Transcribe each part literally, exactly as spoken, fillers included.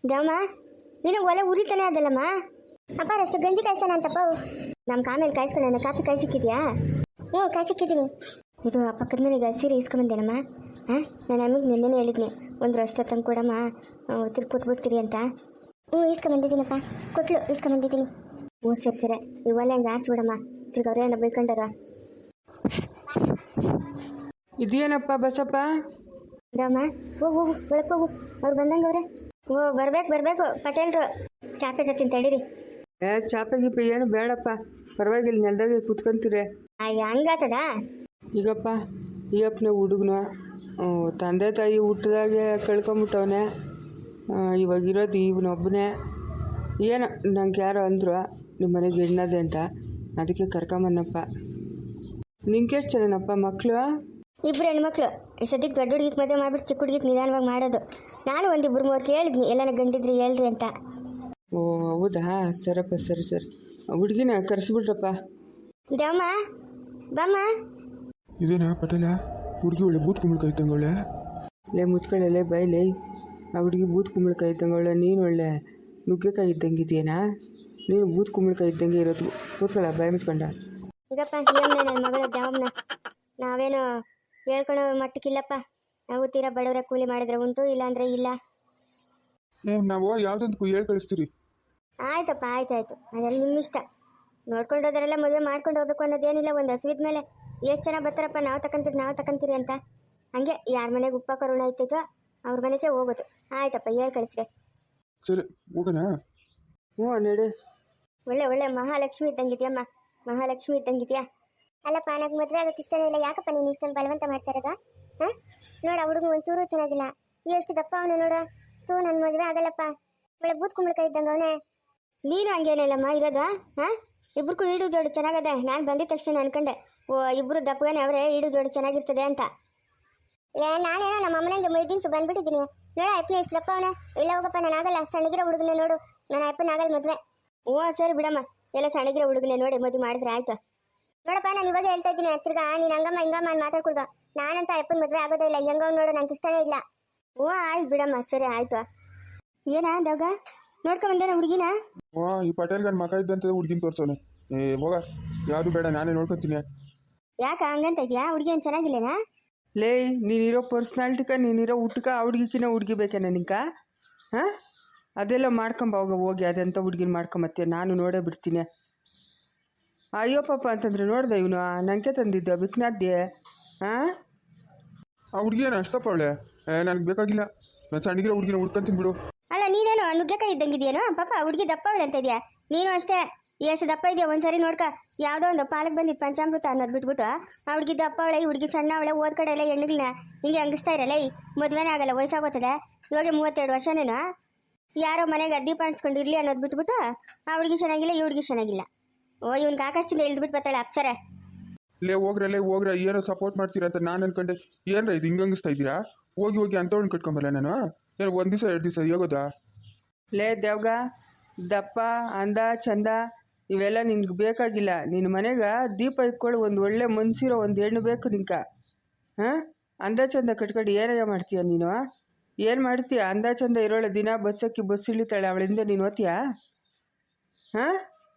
ದೇವಮ್ಮ ನೀನು ಒಲೆ ಉರಿತಾನೆ ಅದಲ್ಲಮ್ಮ. ಅಪ್ಪ ಅಷ್ಟು ಗಂಜಿ ಕಾಯ್ಸೋಣ ಅಂತಪ್ಪ. ನಮ್ಮ ಕಾಮೇಲೆ ಕಾಯಿಸ್ಕೊಳ್ಳೋಣ. ಕಾಪಿ ಕಾಯಿ ಸಿಕ್ಕಿದ್ಯಾ? ಹ್ಞೂ ಕಾಯಿ ಸಿಕ್ಕಿದ್ದೀನಿ. ಇದು ಆ ಪಕ್ಕದ ಮನೆಗೆ ಸೀರೆ ಇಸ್ಕೊಂಬಂದೇನಮ್ಮ. ಹಾಂ ನಾನು ಅಮ್ಮಗೆ ನಿನ್ನೆ ಹೇಳಿದ್ನಿ ಒಂದು ರಷ್ಟ ತಂದು ಕೊಡಮ್ಮ, ತಿರ್ಗಿ ಕೊಟ್ಬಿಡ್ತೀರಿ ಅಂತ. ಹ್ಞೂ ಇಸ್ಕೊಂಬಂದಿದ್ದೀನಪ್ಪ, ಕೊಟ್ಲು ಇಸ್ಕೊಂಬಂದಿದ್ದೀನಿ. ಹ್ಞೂ ಸರಿ ಸರಿ ಈ ಒಲೆ ಹಂಗೆ ಆರಿಸ್ಬಿಡಮ್ಮ, ತಿರ್ಗಿ ಅವ್ರೇ ಏನೋ ಬೈಕೊಂಡಾರ. ಇದೇನಪ್ಪ ಬಸಪ್ಪ? ದಮ್ಮ ಹೋಗು ಹೋಗು ಒಳಕ್ಕೆ ಹೋಗು, ಅವ್ರು ಬಂದಂಗೆ ಅವ್ರೆ. ಓ ಬರ್ಬೇಕು ಬರಬೇಕು ಪಟೇಲ್ರು. ಚಾಪೆ ಜೊತೆ ತಡೀರಿ. ಏ ಚಾಪೆ ಗೀಪೆ ಏನು ಬೇಡಪ್ಪ, ಪರವಾಗಿಲ್ಲ, ನೆಲದಾಗೆ ಕೂತ್ಕೊಂತೀರಿ. ಅಯ್ಯ ಹಂಗಾತದ? ಈಗಪ್ಪ ಈ ಅಪ್ಪನ ಹುಡುಗನು ತಂದೆ ತಾಯಿ ಹುಟ್ಟಿದಾಗೆ ಕಳ್ಕೊಂಬಿಟ್ಟವನೆ. ಇವಾಗಿರೋದು ಇವನೊಬ್ಬನೇ. ಏನೋ ನಂಗೆ ಯಾರೋ ಅಂದರು ನಿಮ್ಮ ಮನೆಗೆ ಹೆಣ್ಣದೆ ಅಂತ, ಅದಕ್ಕೆ ಕರ್ಕೊಂಬನ್ನಪ್ಪ. ನಿಂಗೆ ಎಷ್ಟು ಜನನಪ್ಪ ಮಕ್ಕಳು? ಇಬ್ಬರು ಹೆಣ್ಮಕ್ಳು. ಈ ಸದ್ಯಕ್ಕೆ ದೊಡ್ಡ ಹುಡುಗಿಗೆ ಮದುವೆ ಮಾಡ್ಬಿಟ್ಟು ಚಿಕ್ಕ ಹುಡುಗಿಗೆ ನಿಧಾನವಾಗಿ ಮಾಡೋದು. ನಾನು ಒಂದಿಬ್ಬರು ಮೂರು ಕೇಳಿದ್ನಿ ಎಲ್ಲನ ಗಂಡಿದ್ರಿ ಹೇಳ್ರಿ ಅಂತ. ಓ ಹೌದಾ, ಸರಪ್ಪ ಸರಿ ಸರಿ. ಹುಡುಗಿನ ಕರೆಸ್ಬಿಟ್ರಪ್ಪ. ದೇವಮ್ಮ ಬಾಮ್ಮ. ಇದೇನಾ ಪಟೇಲ? ಹುಡುಗಿ ಒಳ್ಳೆ ಬೂತ್ ಕುಂಬಳಕಾಯಿ ಇದ್ದಂಗೆ. ಲೇ ಮುಚ್ಕೊಳ್ಳೆ ಬೈಲೇ, ಆ ಹುಡುಗಿ ಬೂತ್ ಕುಂಬಳಕಾಯಿ ಇದ್ದಂಗೆ. ನೀನು ಒಳ್ಳೆ ನುಗ್ಗೆಕಾಯಿ ಇದ್ದಂಗಿದೆಯೇನಾ? ನೀನು ಬೂತ್ ಕುಂಬಳಕಾಯಿ ಇದ್ದಂಗೆ ಇರೋದು. ಕೂತ್ಕೊಳ್ಳ ಬಾಯಿ ಮುಚ್ಕೊಂಡ. ಈಗಪ್ಪ ಏಮ್ನ ನನ್ನ ಮಗಳ ದೇವಮ್ಮನ ನಾವೇನು ಹೇಳ್ಕೊಳೋ ಮಟ್ಟಕ್ಕಿಲ್ಲಪ್ಪ. ನಾವು ತೀರಾ ಬಡವರ ಕೂಲಿ ಮಾಡಿದ್ರೆ ಉಂಟು, ಇಲ್ಲ ಅಂದರೆ ಇಲ್ಲ. ಹ್ಞೂ ನಾವು ಯಾವುದಂತಕ್ಕೂ ಹೇಳಿ ಕಳಿಸ್ತೀರಿ. ಆಯ್ತಪ್ಪ ಆಯ್ತಾಯ್ತು, ಅದೆಲ್ಲ ನಿಮ್ಮ ಇಷ್ಟ. ನೋಡ್ಕೊಂಡು ಹೋದರೆಲ್ಲ ಮದುವೆ ಮಾಡ್ಕೊಂಡು ಹೋಗ್ಬೇಕು ಅನ್ನೋದೇನಿಲ್ಲ. ಒಂದು ಹಸುವಿದ ಮೇಲೆ ಎಷ್ಟು ಜನ ಬರ್ತಾರಪ್ಪ, ನಾವು ತಗೊಂತೀರಿ ನಾವು ತಗೊಂತೀರಿ ಅಂತ. ಹಂಗೆ ಯಾರ ಮನೆಗೆ ಉಪ್ಪ ಕರುಣ ಇರ್ತೈತೋ ಅವ್ರ ಮನೆಗೆ ಹೋಗೋದು. ಆಯ್ತಪ್ಪ ಹೇಳಿ ಕಳಿಸ್ರಿ. ಸರಿ ಹೋಗೋಣ. ಹ್ಞೂ ನಡಿ. ಒಳ್ಳೆ ಒಳ್ಳೆ ಮಹಾಲಕ್ಷ್ಮಿ ಇದ್ದಂಗಿದ್ಯಮ್ಮ, ಮಹಾಲಕ್ಷ್ಮಿ ಇದ್ದಂಗಿದ್ಯಾ. ಅಲ್ಲಪ್ಪ ನನಗೆ ಮದುವೆ ಆಗೋಕ್ಕೆ ಇಷ್ಟನೇ ಇಲ್ಲ. ಯಾಕಪ್ಪ ನೀನು ಇಷ್ಟೊಂದು ಬಲವಂತ ಮಾಡ್ತಾ ಇರೋದು? ಹಾಂ ನೋಡ ಹುಡುಗ ಒಂಚೂರು ಚೆನ್ನಾಗಿಲ್ಲ, ಎಷ್ಟು ದಪ್ಪ ಅವನೇ ನೋಡ. ತೂ ನನ್ನ ಮದುವೆ ಆಗಲ್ಲಪ್ಪ. ಒಳ್ಳೆ ಬೂತ್ ಕುಂಬಳಕಾಯಿ ಇದ್ದಂಗೆ ಅವನೇ. ನೀನು ಹಂಗೇನಿಲ್ಲಮ್ಮ ಇರೋದು. ಹಾಂ ಇಬ್ರಿಗೂ ಈಡು ಜೋಡಿ ಚೆನ್ನಾಗದೆ. ನಾನು ಬಂದಿದ್ದ ತಕ್ಷಣ ಅನ್ಕೊಂಡೆ ಓ ಇಬ್ಬರು ದಪ್ಪಗಾನೆ ಅವರೇ, ಈಡು ಜೋಡಿ ಚೆನ್ನಾಗಿರ್ತದೆ ಅಂತ. ಏ ನಾನೇನೋ ನಮ್ಮ ಅಮ್ಮನಿಗೆ ಮೈದಿನ್ಸು ಬಂದ್ಬಿಟ್ಟಿದ್ದೀನಿ. ನೋಡ ಅಪ್ಪನ ಎಷ್ಟು ದಪ್ಪ ಅವನೇ. ಇಲ್ಲ ಹೋಗಪ್ಪ ನಾನು ಆಗಲ್ಲ, ಸಣ್ಣಗಿರೋ ಹುಡುಗನೇ ನೋಡು. ನಾನು ಅಪ್ಪನ ಆಗಲ್ಲ ಮದುವೆ. ಓ ಸರಿ ಬಿಡಮ್ಮ, ಎಲ್ಲ ಸಣ್ಣಗಿರೋ ಹುಡುಗನೇ ನೋಡಿ ಮದುವೆ ಮಾಡಿದ್ರೆ ಆಯ್ತು. ನೋಡಪ್ಪ ನಾನು ಇವಾಗ ಹೇಳ್ತಾ ಇದ್ದೀನಿ, ತಿರ್ಗಾ ನೀನು ಹಂಗಮ್ಮ ಹಿಂಗಮ್ಮ ಅಂತ ಮಾತಾಡ್ಕೊಡ್ದು. ನಾನಂತ ಅಪ್ಪನ ಮದುವೆ ಆಗೋದೇ ಇಲ್ಲ. ಹೆಂಗವ್ ನೋಡು, ನಂಗೆ ಇಷ್ಟನೇ ಇಲ್ಲ. ಓ ಆಯ್ತು ಬಿಡಮ್ಮ, ಸರಿ ಆಯ್ತು. ಏನಾ ದಾಗ ನೋಡ್ಕೊಂಬಂದೇನ ಹುಡುಗಿನ? ಓ ಈ ಪಟೇಲ್ಗನ್ ಮಗ ಇದ್ದಂತ ಹುಡುಗಿನ ತೋರ್ಸೋನೆ. ಏ ಹೋಗ, ಯಾವುದು ಬೇಡ, ನಾನೇ ನೋಡ್ಕೊತೀನಿ. ಯಾಕ ಹಂಗಂತ ಇದೆಯಾ? ಹುಡುಗಿ ಏನು ಚೆನ್ನಾಗಿಲ್ಲೇನಾ? ಲೇ ನೀನಿರೋ ಪರ್ಸ್ನಾಲಿಟಿಕ, ನೀನಿರೋ ಹುಟ್ಟಕ ಆ ಹುಡುಗಿಕಿನ ಹುಡುಗಿ ಬೇಕೇನ ನಿಂಕ? ಹಾಂ ಅದೆಲ್ಲ ಮಾಡ್ಕೊಂಬ ಹೋಗ ಹೋಗಿ. ಅದೆಂತ ಹುಡುಗಿನ ಮಾಡ್ಕೊಂಬತ್ತೀಯ? ನಾನು ನೋಡೇ ಬಿಡ್ತೀನಿ. ಅಯ್ಯೋ ಪಾಪ ಅಂತಂದ್ರೆ ನೋಡ್ದೆ ಇವನು ನಂಗೆ ತಂದಿದ್ದ ಬಿಕ್ನಾದ್ದೆ. ಹಾಂ ಆ ಹುಡುಗಿ ಏನು ಅಷ್ಟಪ್ಪ ಅವಳೆ? ನನಗೆ ಬೇಕಾಗಿಲ್ಲ, ನಾನು ಸಣ್ಣಗಿರೋ ಹುಡುಗಿನ ಹುಡ್ಕೊಂತೀನಿ ಬಿಡು. ಅಲ್ಲ ನೀನೇನು ನುಗ್ಗೆಕಾಯಿ ಇದ್ದಂಗಿದೆಯೇನೋ ಪಾಪ ಹುಡುಗಿ ದಪ್ಪ ಅವಳೆ ಅಂತ ಇದೆಯಾ? ನೀನು ಅಷ್ಟೇ ಎಷ್ಟು ದಪ್ಪ ಇದೆಯಾ ಒಂದ್ಸರಿ ನೋಡ್ಕ. ಯಾವುದೋ ಒಂದು ಪಾಲಕ್ ಬಂದಿದ್ದು ಪಂಚಾಮೃತ ಅನ್ನೋದು ಬಿಟ್ಬಿಟ್ಟು ಆ ಹುಡುಗಿ ದಪ್ಪ ಅವಳೆ, ಈ ಹುಡುಗಿ ಸಣ್ಣ ಅವಳೆ. ಓದ್ ಕಡೆ ಎಲ್ಲ ಹೆಣ್ಣಿಗಳನ್ನ ಹಿಂಗೆ ಹಂಗಿಸ್ತಾ ಇರಲ್ಲ. ಈ ಮದುವೆನೇ ಆಗಲ್ಲ, ವಯಸ್ಸಾಗೋತದೆ. ಇವಾಗ ಮೂವತ್ತೆರಡು ವರ್ಷನೇನು. ಯಾರೋ ಮನೆಗೆ ದೀಪ ಅಂಟಿಸ್ಕೊಂಡು ಇರಲಿ ಅನ್ನೋದು ಬಿಟ್ಬಿಟ್ಟು ಆ ಹುಡುಗಿ ಚೆನ್ನಾಗಿಲ್ಲ, ಈ ಹುಡುಗಿ ಚೆನ್ನಾಗಿಲ್ಲ. ಓ ಇವ್ನಿಗೆ ಆಕಾಶದಿಂದ ಇಳಿದ್ಬಿಟ್ಟು ಬರ್ತಾಳೆ ಅಪ್ಸರೆ. ಲೇ ಹೋಗ್ರೆ ಲೇ ಹೋಗ್ರೆ, ಏನೋ ಸಪೋರ್ಟ್ ಮಾಡ್ತೀರಾ ಅಂತ ನಾನು ಅನ್ಕೊಂಡೆ. ಏನ್ರ ಇದು ಹಿಂಗಂಗಿಸ್ತಾ ಇದ್ದೀರಾ? ಹೋಗಿ ಹೋಗಿ ಅಂಥವ್ಳನ್ನ ಕಟ್ಕೊಂಬಲ್ಲ ನಾನು. ಏನು ಒಂದು ದಿವಸ ಎರಡು ದಿವಸ ಹೋಗೋದಾ? ಲೇ ದೇವ್ಗ, ದಪ್ಪ ಅಂದ ಚಂದ ಇವೆಲ್ಲ ನಿನ್ಗೆ ಬೇಕಾಗಿಲ್ಲ. ನಿನ್ನ ಮನೆಗೆ ದೀಪ ಇಟ್ಕೊಳ್ಳಿ, ಒಂದು ಒಳ್ಳೆ ಮನ್ಸಿರೋ ಒಂದು ಹೆಣ್ಣು ಬೇಕು ನಿಂಕ. ಹಾಂ ಅಂದ ಚಂದ ಕಟ್ಕೊಂಡು ಏನಯ್ಯ ಮಾಡ್ತೀಯ ನೀನು? ಏನು ಮಾಡ್ತೀಯ? ಅಂದ ಚಂದ ಇರೋಳೆ ದಿನ ಬಸ್ಸಕ್ಕಿ ಬಸ್ ಇಳಿತಾಳೆ, ಅವಳಿಂದ ನೀನು ಓದ್ತೀಯಾ? ಹಾಂ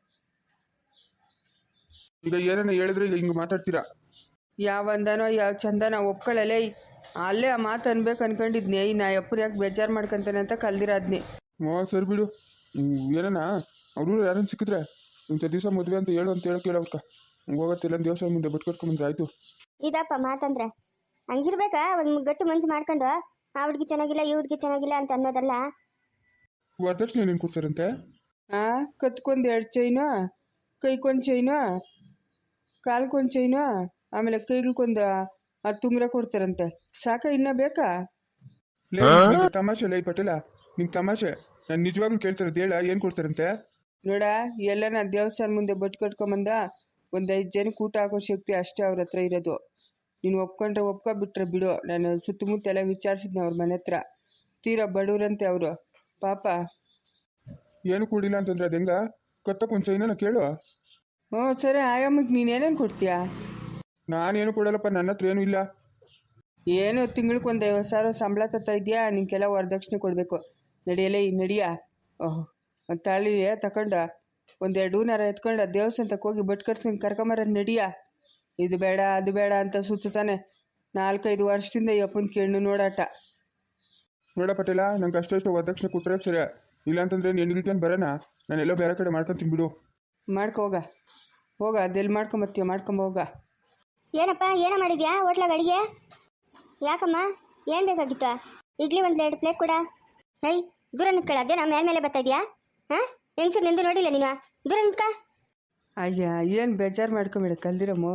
ಈಗ ಏನನ್ನ ಹೇಳಿದ್ರೆ ಈಗ ಹಿಂಗೆ ಮಾತಾಡ್ತೀರಾ? ಯಾವ ಅಂದನೋ ಯಾವ ಚಂದನ ಒಪ್ಕೊಳ್ಳಲೇ. ಅಲ್ಲೇ ಆ ಮಾತು ಅನ್ಬೇಕು ಅನ್ಕೊಂಡಿದ್ನಿ. ನಾ ಅಪ್ಪನ ಯಾಕೆ ಬೇಜಾರು ಮಾಡ್ಕೊಂತಾನೆ ಅಂತ ಕಲ್ದಿರಾದ್ನಿ. ಓ ಸರಿ ಬಿಡು. ಏನನ್ನ ಅವರು ಯಾರನ್ನ ಸಿಕ್ಕಿದ್ರೆ ಇಂಥ ದಿವಸ ಮದುವೆ ಅಂತ ಹೇಳು ಅಂತ ಹೇಳಕ್ಕೆ ಹೇಳೋಕ್ಕ ಹೋಗತ್ತಿಲ್ಲ ದೇವಸ್ಥಾನ ಮುಂದೆ ಬಟ್ ಕಟ್ಕೊಂಬಂದ್ರೆ ಆಯಿತು. ಇದಪ್ಪ ಮಾತಂದ್ರೆ ಹಂಗಿರ್ಬೇಕಾ? ಒಂದು ಗಟ್ಟು ಮನ್ಸು ಮಾಡ್ಕೊಂಡು ಆ ಹುಡುಗಿ ಚೆನ್ನಾಗಿಲ್ಲ, ಈ ಹುಡುಗಿ ಚೆನ್ನಾಗಿಲ್ಲ ಅಂತ ಅನ್ನೋದಲ್ಲ. ವರದಕ್ಷಿಣೆ ಏನೇನು ಕೊಡ್ತಾರಂತೆ? ಹಾಂ ಕತ್ಕೊಂದು ಎರಡು ಚೈನು, ಕೈಗೊಂದು ಚೈನು, ಕಾಲ್ಗೊಂದು ಚೈನು, ಆಮೇಲೆ ಕೈಗಳ್ಕೊಂದು ಹತ್ತು ಉಂಗುರ ಕೊಡ್ತಾರಂತೆ. ಸಾಕ ಇನ್ನೂ ಬೇಕಾ? ತಮಾಷೆ ಲೈ ಪಟೇಲ, ನಿಂಗೆ ತಮಾಷೆ. ನಾನು ನಿಜವಾಗ್ಲೂ ಕೇಳ್ತಾರದು ಹೇಳ, ಏನು ಕೊಡ್ತಾರಂತೆ? ನೋಡ ಎಲ್ಲನ ದೇವಸ್ಥಾನ ಮುಂದೆ ಬಟ್ ಕಟ್ಕೊಂಬಂದ ಒಂದು ಐದು ಜನಕ್ಕೆ ಊಟ ಹಾಕೋ ಶಕ್ತಿ ಅಷ್ಟೇ ಅವ್ರ ಹತ್ರ ಇರೋದು. ನೀನು ಒಪ್ಕೊಂಡ್ರೆ ಒಪ್ಕೊಬಿಟ್ರೆ ಬಿಡು. ನಾನು ಸುತ್ತಮುತ್ತ ಎಲ್ಲ ವಿಚಾರಿಸಿದ್ನಿ ಅವ್ರ ಮನೆ ಹತ್ರ. ತೀರಾ ಬಡವ್ರಂತೆ ಅವರು ಪಾಪ. ಏನು ಕೊಡಿಲ್ಲ ಅಂತಂದ್ರೆ ಅದು ಹೆಂಗ? ಕತ್ತಕ್ಕೊಂದು ಸೈನ ಕೇಳು. ಹ್ಞೂ ಸರಿ, ಆಯಮ್ಮಗೆ ನೀನೇನೇನು ಕೊಡ್ತೀಯಾ? ನಾನೇನು ಕೊಡಲ್ಲಪ್ಪ, ನನ್ನ ಹತ್ರ ಏನೂ ಇಲ್ಲ. ಏನು ತಿಂಗ್ಳಿಗೆ ಒಂದು ಐವತ್ತು ಸಾವಿರ ಸಂಬಳ ತತ್ತಾ ಇದೆಯಾ? ನಿಂಗೆಲ್ಲ ವರದಕ್ಷಿಣೆ ಕೊಡಬೇಕು. ನಡಿಯಲೇ ಈ ನಡಿಯ ಓಹ್ ಒಂದು ತಾಳಿ ತಗೊಂಡು ಒಂದೆರಡು ಹೂನಾರ ಎತ್ಕೊಂಡು ದೇವಸ್ಥಾನಕ್ಕೆ ಹೋಗಿ ಬಟ್ ಕಟ್ಸ್ಕೊಂಡು ಕರ್ಕೊಂಬರ ನಡಿಯ ಇದು ಬೇಡ ಅದು ಬೇಡ ಅಂತ ಸುತ್ತಾನೆ ನಾಲ್ಕೈದು ವರ್ಷದಿಂದ ಈ ಅಪ್ಪನ ಕೇಳು ನೋಡಾಟ. ನೋಡ ಪಟೇಲ, ನಂಗೆ ಅಷ್ಟಷ್ಟು ವರದಕ್ಷಿಣೆ ಕೊಟ್ಟರೆ ಸರಿ, ಇಲ್ಲಾಂತಂದ್ರೆ ನೀನು ಇಳ್ಕೊಂಡು ಬರೋಣ, ನಾನೆಲ್ಲೋ ಬೇರೆ ಕಡೆ ಮಾಡ್ಕೊತೀನಿ ಬಿಡು. ಮಾಡ್ಕೊ ಹೋಗ ಹೋಗ ಅದೆಲ್ಲಿ ಮಾಡ್ಕೊಂಬತ್ತೀಯ ಮಾಡ್ಕೊಂಬ ಹೋಗ. ಏನಪ್ಪ ಏನೋ ಮಾಡಿದ್ಯಾ ಹೋಟ್ಲಾಗ ಅಡಿಗೆ? ಯಾಕಮ್ಮ ಏನು ಬೇಕಾಗಿತ್ತು? ಇಡ್ಲಿ ಒಂದು ಎರಡು ಪ್ಲೇಟ್ ಕೊಡ. ಹೈ ದೂರ ನಿಂತ್ಕೊಳ್ಳ, ಅದೇ ನಮ್ಮ ಮೇಲೆ ಮೇಲೆ ಬರ್ತಾ ಇದೆಯಾ? ಹಾಂ ಹೆಂಗ್ಸರು ನಿಂದು ನೋಡಿಲ್ಲ ನೀನು, ದೂರ ನಿಂತ್ಕ. ಅಯ್ಯ ಏನು ಬೇಜಾರು ಮಾಡ್ಕೊಂಬೇಡ ಕಲ್ದಿರಮ್ಮ.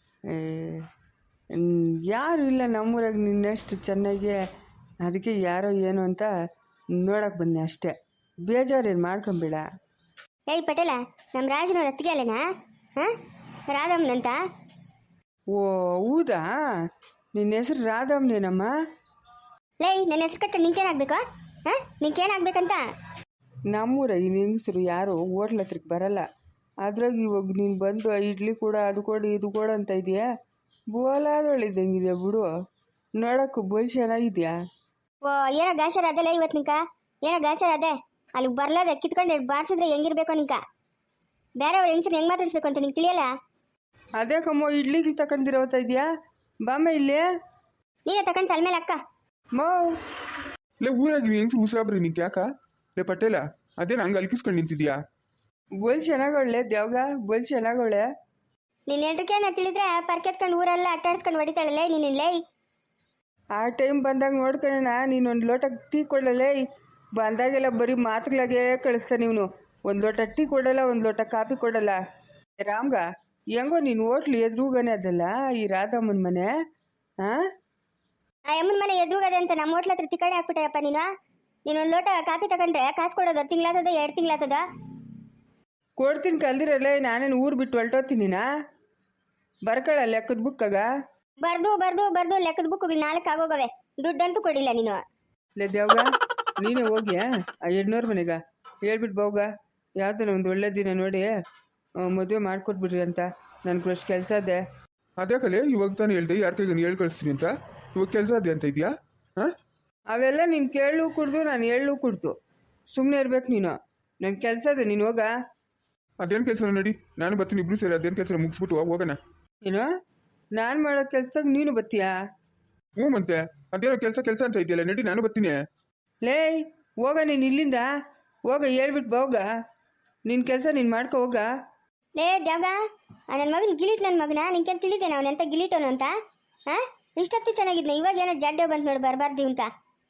ಯಾರು ಇಲ್ಲ ನಮ್ಮೂರಾಗ ನಿನ್ನಷ್ಟು ಚೆನ್ನಾಗಿ, ಅದಕ್ಕೆ ಯಾರೋ ಏನು ಅಂತ ನೋಡಕ್ಕೆ ಬಂದೆ ಅಷ್ಟೇ, ಬೇಜಾರೇನು ಮಾಡ್ಕೊಂಬೇಡ. ಏಯ್ ಪಟೇಲ, ನಮ್ಮ ರಾಜನವ್ರ ಅತ್ತಿಗೆ ಅಲ್ಲೇನಾ? ಹಾಂ ರಾಧಮ್ಮನಂತ? ಓ ಹೌದಾ, ನಿನ್ನ ಹೆಸರು ರಾಧಮ್ಮನೇನಮ್ಮ? ಲೇ ನನ್ನ ಹೆಸರು ಕಟ್ಟ ನಿಂಗೇನಾಗಬೇಕು? ಹಾಂ ನಿಂಗೇನಾಗಬೇಕಂತ? ನಮ್ಮೂರ ಈ ಹೆಂಗಸರು ಯಾರು ಹೋಟ್ಲ ಹತ್ರಕ್ಕೆ ಬರಲ್ಲ, ಅದ್ರಾಗ ಇವಾಗ ನೀನು ಬಂದು ಇಡ್ಲಿ ಕೂಡ ಅದು ಕೊಡು ಇದು ಕೊಡು ಅಂತ ಇದೆಯಾ, ಬೋಲಾದೊಳಿದ್ದಂಗಿದೆ ಬಿಡು, ನೋಡೋಕ್ಕೂ ಬೋಲ್ ಚೆನ್ನಾಗಿದ್ಯಾ. ಓ ಏನೋ ಗಾಚಾರ ಅದಲ್ಲ ಇವತ್ತು ನಿಂಕ, ಏನೋ ಗಾಚಾರ ಅದೇ ಅಲ್ಲಿಗೆ ಬರ್ಲಾದ ಕಿತ್ಕೊಂಡು ಬಾರಿಸಿದ್ರೆ ಹೆಂಗಿರ್ಬೇಕು ನಿಂಕ? ಬೇರೆಯವ್ರು ಹೆಂಗಸರು ಹೆಂಗೆ ಮಾತಾಡಿಸ್ಬೇಕು ಅಂತ ನಿಂಗೆ ತಿಳಿಯಲ್ಲ? ಅದೇ ಕಮ್ಮೋ ಇಡ್ಲಿಗೆ ತಗೊಂಡಿರೋತಾ ಇದೆಯಾ, ಬಾಮ ಇಲ್ಲೇ ನೀನೇ ತಗೊಂಡು ತಲೆ ಮೇಲೆ ಅಕ್ಕ. ಮೋ ಲೇ ಊರಾಗ ನೀನು ಹೆಂಗ್ಸು ಉಸಾಬ್ರಿ ನಿಂಗೆ ಯಾಕ? ಲೇ ಪಟೇಲ, ಅದೇನು ಹಂಗೆ ಅಲ್ಕಿಸ್ಕೊಂಡು ನಿಂತಿದ್ಯಾ? ಬೋಲ್ ಚೆನ್ನಾಗವಳೆ ದೇವ್ಗ, ಬೋಲ್ ಚೆನ್ನಾಗವಳೆ. ನೀನು ಎಂಟ್ರಕೇನ ತಿಳಿದ್ರೆ ಪರ್ಕೆತ್ಕೊಂಡು ಊರೆಲ್ಲ ಅಟ್ಟಾಡ್ಸ್ಕೊಂಡು ಹೊಡಿತಾಳಲ್ಲೇ ನೀನು. ಲೇ ಆ ಟೈಮ್ ಬಂದಾಗ ನೋಡ್ಕೊಳ್ಳೋಣ, ನೀನು ಒಂದು ಲೋಟ ಟೀ ಕೊಡಲೇ, ಬಂದಾಗೆಲ್ಲ ಬರೀ ಮಾತುಗಳಾಗೆ ಕಳಿಸ್ತಾ ನೀನು, ಒಂದು ಲೋಟ ಟೀ ಕೊಡಲ್ಲ, ಒಂದು ಲೋಟ ಕಾಫಿ ಕೊಡಲ್ಲ. ರಾಮ್ಗ ಹೆಂಗೋ ನೀನು ಹೋಟ್ಲು ಎದುರುಗನೆ ಅದಲ್ಲ ಈ ರಾಧಮ್ಮನ ಮನೆ. ಹಾಂ ಆ ಯಮ್ಮನ ಮನೆ ಎದುರುಗದೆ ಅಂತ ನಮ್ಮ ಹೋಟ್ಲ ಹತ್ರ ತಿಕ್ಕಣೆ ಹಾಕ್ಬಿಟ್ಟೆಯಪ್ಪ ನೀನು. ನೀನು ಒಂದು ಲೋಟ ಕಾಫಿ ತಗೊಂಡ್ರೆ ಕಾಸು ಕೊಡೋದು ತಿಂಗಳಾತದ ಎರಡು ತಿಂಗಳಾತದ? ಕೊಡ್ತೀನಿ ಕಲ್ದಿರಲ್ಲ, ನಾನೇನು ಊರು ಬಿಟ್ಟು ಹೊಲ್ಟೋತೀನಿನಾ, ಬರ್ಕೊಳ್ಳ ಲೆಕ್ಕದ ಬುಕ್ಕಾಗ ಬರ್ದು ಬರ್ದು ಬರ್ದು ಲೆಕ್ಕದ ಬುಕ್ಗಳು ನಾಲ್ಕು ಆಗೋಗವೆ, ದುಡ್ಡಂತೂ ಕೊಡಿಲ್ಲ ನೀನು. ಲೇ ದೇವ್ಗ ನೀನೇ ಹೋಗಿ ಆ ಎರಡ್ನೂರು ಮನೆಗ ಹೇಳ್ಬಿಟ್ಟು ಬೋಗ, ಯಾವ್ದಾರ ಒಂದು ಒಳ್ಳೆ ದಿನ ನೋಡಿ ಮದುವೆ ಮಾಡಿಕೊಟ್ಬಿಡ್ರಿ ಅಂತ, ನನಗೆ ಅಷ್ಟು ಕೆಲಸ ಇದೆ. ಅದೇ ಕಲೆ ಇವಾಗ ತಾನು ಹೇಳ್ದೆ ಯಾರ ಕೈಗೆ ಹೇಳಿ ಕಳಿಸ್ತೀನಿ ಅಂತ, ಇವಾಗ ಕೆಲಸ ಅದೇ ಅಂತ ಇದೆಯಾ? ಹಾಂ ಅವೆಲ್ಲ ನೀನು ಕೇಳು ಕುಡ್ದು ನಾನು ಹೇಳು ಕುಡ್ದು ಸುಮ್ಮನೆ ಇರ್ಬೇಕು ನೀನು, ನನ್ನ ಕೆಲಸ ಇದೆ, ನೀನು ಹೋಗ. ಅದೇನು ಕೆಲಸ ನಡಿ, ನಾನು ಬರ್ತೀನಿ, ಇಬ್ರು ಸೇರಿ ಅದೇನು ಕೆಲಸ ಮುಗಿಸ್ಬಿಟ್ಟು ಹೋಗೋಣ. ಏನು ನಾನು ಮಾಡೋ ಕೆಲ್ಸಕ್ಕೆ ನೀನು ಬತ್ತೀಯಾ? ಹ್ಞೂ ಮತ್ತೆ ಅದೇನೋ ಕೆಲಸ ಕೆಲಸ ಅಂತ ಇದೆಯಲ್ಲ, ನಡಿ ನಾನು ಬರ್ತೀನಿ. ಲೇ ಹೋಗ ನೀನು ಇಲ್ಲಿಂದ ಹೋಗ, ಹೇಳ್ಬಿಟ್ಟು ಹೋಗ, ನಿನ್ನ ಕೆಲಸ ನೀನು ಮಾಡ್ಕೊ ಹೋಗ. ಲೇ ದ್ಯಾಗ, ನನ್ನ ಮಗನ ಗಿಲೀಟ್, ನನ್ನ ಮಗನ ನಿನ್ಗೆ ತಿಳಿದೇನೆ ಅವನು ಎಂತ ಗಿಲೀಟವನು ಅಂತ? ಹಾಂ ಇಷ್ಟೊತ್ತು ಚೆನ್ನಾಗಿದ್ನ, ಇವಾಗ ಏನೋ ಜಡ್ಡೆ ಬಂತು ನೋಡಿ ಬರಬಾರ್ದು ಅಂತ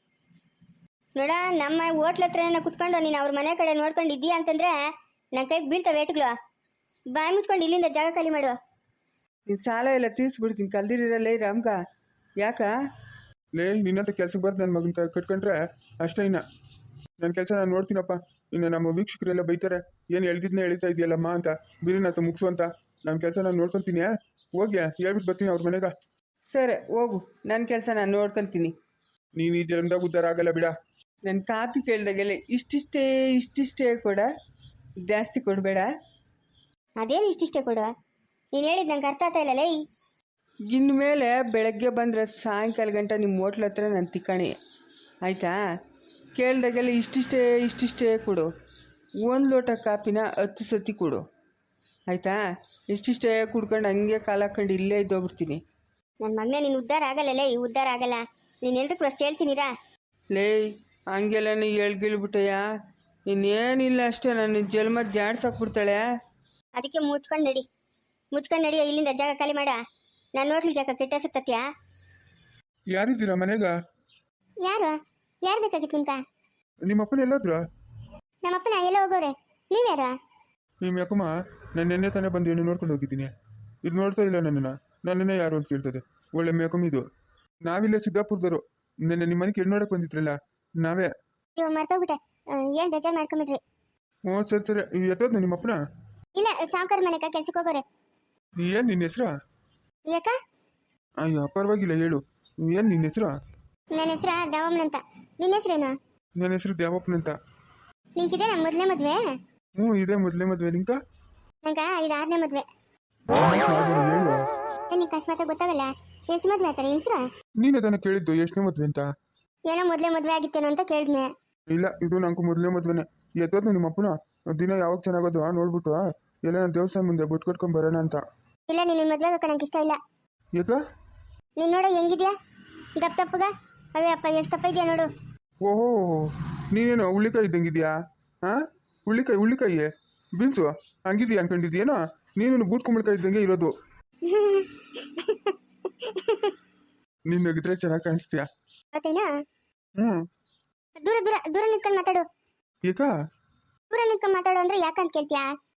ನೋಡ. ನಮ್ಮ ಹೋಟ್ಲ ಹತ್ರನ ಕುತ್ಕೊಂಡು ನೀನು ಅವ್ರ ಮನೆ ಕಡೆ ನೋಡ್ಕೊಂಡು ಇದ್ದೀಯಾ ಅಂತಂದ್ರೆ ನನ್ನ ಕೈಗೆ ಬೀಳ್ತಾವೆ ಏಟುಗಳು. ಬಾಯಿ ಮುಚ್ಕೊಂಡು ಇಲ್ಲಿಂದ ಜಾಗ ಖಾಲಿ ಮಾಡು. ನಿನ್ನ ಸಾಲ ಎಲ್ಲ ತೀರಿಸ್ಬಿಡ್ತೀನಿ ಕಲ್ದಿರಲ್ಲ ಈ ರಾಮ್ಗ. ಯಾಕ ಲೇ ನಿನ್ನಂತ ಕೆಲ್ಸಕ್ಕೆ ಬರ್ದು ನನ್ನ ಮಗನ ಕಟ್ಕೊಂಡ್ರೆ ಅಷ್ಟೇ, ಇನ್ನ ನನ್ನ ಕೆಲಸ ನಾನು ನೋಡ್ತೀನಪ್ಪ. ಇನ್ನು ನಮ್ಮ ವೀಕ್ಷಕರೆಲ್ಲ ಬೈತಾರೆ, ಏನು ಎಳ್ದಿದ್ನ ಎಳಿತಾ ಇದೆಯಲ್ಲಮ್ಮ ಅಂತ, ಬಿರಿನಾಥ ಮುಗಿಸು ಅಂತ. ನನ್ನ ಕೆಲಸ ನಾನು ನೋಡ್ಕೊತೀನಿ, ಹೋಗಿ ಹೇಳ್ಬಿಟ್ಟು ಬರ್ತೀನಿ ಅವ್ರ ಮನೆಗೆ. ಸರಿ ಹೋಗು, ನನ್ನ ಕೆಲಸ ನಾನು ನೋಡ್ಕೊತೀನಿ. ನೀನು ಈ ಜನ್ಮದಾಗ ಉದ್ಧಾರ ಆಗಲ್ಲ ಬಿಡ. ನನ್ನ ಕಾಪಿ ಕೇಳಿದಾಗೆಲ್ಲ ಇಷ್ಟಿಷ್ಟೇ ಇಷ್ಟಿಷ್ಟೇ ಕೊಡ, ಜಾಸ್ತಿ ಕೊಡಬೇಡ. ಅದೇನು ಇಷ್ಟಿಷ್ಟೇ ಕೊಡು, ನೀನು ಹೇಳಿದ್ ನಂಗೆ ಅರ್ಥ ಆಗ್ತಾ ಇಲ್ಲ. ಲೇ ಇನ್ಮೇಲೆ ಬೆಳಗ್ಗೆ ಬಂದರೆ ಸಾಯಂಕಾಲ ಗಂಟ ನಿಮ್ಮ ಹೋಟ್ಲ ಹತ್ರ ನಾನು ತಿಕ್ಕಣಿ ಆಯಿತಾ? ಕೇಳಿದಾಗೆಲ್ಲ ಇಷ್ಟಿಷ್ಟೇ ಇಷ್ಟಿಷ್ಟೇ ಕೊಡು, ಒಂದು ಲೋಟ ಕಾಪಿನ ಹತ್ತು ಸತಿ ಕೊಡು ಆಯಿತಾ? ಇಷ್ಟಿಷ್ಟೇ ಕುಡ್ಕೊಂಡು ಹಂಗೆ ಕಾಲ ಹಾಕೊಂಡು ಇಲ್ಲೇ ಇದ್ದೋಗ್ಬಿಡ್ತೀನಿ. ನನ್ನ ಮಗನೇ ನೀನು ಉದ್ಧಾರ ಆಗಲ್ಲ. ಲೇ ಉದ್ಧಾರ ಆಗಲ್ಲ, ನೀನು ಎಲ್ರಿಗೂ ಅಷ್ಟು ಹೇಳ್ತೀನಿರಾ? ಲೇ ಹಂಗೆಲ್ಲ ನೀ ಹೇಳ್ಗಿಳ್ಬಿಟ್ಟಯ್ಯ, ಇನ್ನೇನಿಲ್ಲ ಅಷ್ಟೇ, ನನ್ನ ಜನ್ಮ ಜಾಡ್ಸಾಕ್ಬಿಡ್ತಾಳೆ. ಅದಕ್ಕೆ ಮುಚ್ಕೊಂಡು ನಡಿ, ಮುಚ್ಕೊಂಡು ನಡಿಯ, ಇಲ್ಲಿಂದ ಜಾಗ ಖಾಲಿ ಮಾಡ. ನಾನು ನೋಡ್ಲಿಕ್ಕೆ ಯಾಕೆ ಕೆಟ್ಟ ಹೆಸರು ತತ್ತೀಯಾ? ಯಾರಿದ್ದೀರಾ ಮನೆಗ? ಯಾರು ಯಾರು ಬೇಕಾಗಿತ್ತು ಅಂತ? ನಿಮ್ಮಪ್ಪನ ಎಲ್ಲಾದ್ರು? ನಮ್ಮಪ್ಪನ ಎಲ್ಲ ಹೋಗೋರೆ, ನೀವ್ಯಾರ? ನಿಮ್ಮ ಯಾಕಮ್ಮ ನಾನು ನೆನ್ನೆ ತಾನೇ ಬಂದು ಹೆಣ್ಣು ನೋಡ್ಕೊಂಡು ಹೋಗಿದ್ದೀನಿ, ಇದು ನೋಡ್ತಾ ಇಲ್ಲ ನನ್ನನ್ನು, ನನ್ನನ್ನೇ ಯಾರು ಅಂತ ಕೇಳ್ತದೆ. ಒಳ್ಳೆ ಮೇಕಮ್ ಇದು. ನಾವಿಲ್ಲೇ ಸಿದ್ದಾಪುರದವರು, ನೆನ್ನೆ ನಿಮ್ಮ ಮನೆಗೆ ಹೆಣ್ಣು ನೋಡಕ್ಕೆ ಬಂದಿದ್ರಲ್ಲ ನಾವೇ. ಇವಾಗ ಮರ್ತೋಗ್ಬಿಟ್ಟೆ, ಏನು ಬೇಜಾರು ಮಾಡ್ಕೊಂಬಿಡ್ರಿ. ಹ್ಞೂ ಸರಿ ಸರಿ, ಎತ್ತೋದ್ನ ನಿಮ್ಮಪ್ಪನ? ಇಲ್ಲ ಸಾವುಕಾರ ಮನೆಗೆ ಕೆಲ್ಸಕ್ಕೆ ಹೋಗೋರೆ. ಏನು ನಿನ್ನ ಹೆಸ್ರಾ? ಯಾಕ? ಅಯ್ಯೋ ಪರವಾಗಿಲ್ಲ ಹೇಳು, ಏನು ನಿನ್ನ ಹೆಸ್ರಾ? ನನ್ನ ಹೆಸ್ರ ದಾವಮ್ಮನ ಅಂತ. ನಿನ್ನ ಹೆಸ್ರೇನು? ನನ್ನ ಹೆಸರು ದ್ಯಾವಪ್ಪನಂತ. ನಿಂಕಿದೆ ನಮ್ಮ ಮೊದಲೇ ಮದುವೆ? ಹ್ಞೂ ಇದೆ ಮೊದಲೇ ಮದುವೆ. ನಿಂಕ? ನಂಗ ಇದು ಆರನೇ ಮದುವೆ. ಹೇಳುವ ನಿಂಗೆ ಅಕಸ್ಮಾತ್ ಗೊತ್ತಾಗಲ್ಲ, ಎಷ್ಟು ಮದುವೆ ಆಯ್ತಾರೆ ಹೆಂಗ್ಸ್ರ? ನೀನು ಅದನ್ನು ಕೇಳಿದ್ದು ಎಷ್ಟನೇ ಮದುವೆ ಅಂತ? ಏನೋ ಮೊದಲೇ ಮದುವೆ ಆಗಿತ್ತೇನೋ ಅಂತ ಕೇಳಿದ್ನೆ. ಇಲ್ಲ ಇದು ನಂಗೆ ಮೊದಲನೇ ಮದುವೆನೆ. ಎತ್ತೋದು ನಿಮ್ಮ ಅಪ್ಪನ ದಿನ ಯಾವಾಗ ಚೆನ್ನಾಗೋದು ನೋಡ್ಬಿಟ್ಟು ಎಲ್ಲ ನಾನು ದೇವಸ್ಥಾನ ಮುಂದೆ ಬೊಟ್ಟು ಕಟ್ಕೊಂಡು ಬರೋಣ ಅಂತ. ಇಲ್ಲ ನೀನು ಮದುವೆ ಆಗಕ್ಕೆ ನಂಗೆ ಇಷ್ಟ ಇಲ್ಲ. ಯಾಕ? ನೀನು ನೋಡ ಹೆಂಗಿದ್ಯಾ ದಪ್ಪ ತಪ್ಪಗ. ಅವೇ ಅಪ್ಪ ಎಷ್ಟು ತಪ್ಪ ಇದೆಯಾ ನೋಡು. ಓಹೋ, ನೀನೇನು ಹುಳ್ಳಿಕಾಯಿ ಇದ್ದಂಗಿದ್ಯಾ? ಹಾಂ, ಹುಳ್ಳಿಕಾಯಿ ಹುಳ್ಳಿಕಾಯಿ ಬೀನ್ಸು ಹಂಗಿದ್ಯಾ ಅನ್ಕೊಂಡಿದ್ಯೇನೋ? ನೀನು ಬೂತ್ ಕುಂಬಳಕಾಯಿ ಇದ್ದಂಗೆ ಇರೋದು. ನೀನು ನಗಿದ್ರೆ ಚೆನ್ನಾಗಿ ಕಾಣಿಸ್ತೀಯಾ? ಮತ್ತೇನಾ? ಹ್ಞೂ. ದೂರ ದೂರ ದೂರ ನಿಂತ್ಕೊಂಡು ಮಾತಾಡು. ಯಾಕ? ದೂರ ನಿಂತ್ಕೊಂಡು ಮಾತಾಡು ಅಂದ್ರೆ ಯಾಕಂತ ಕೇಳ್ತೀಯಾ?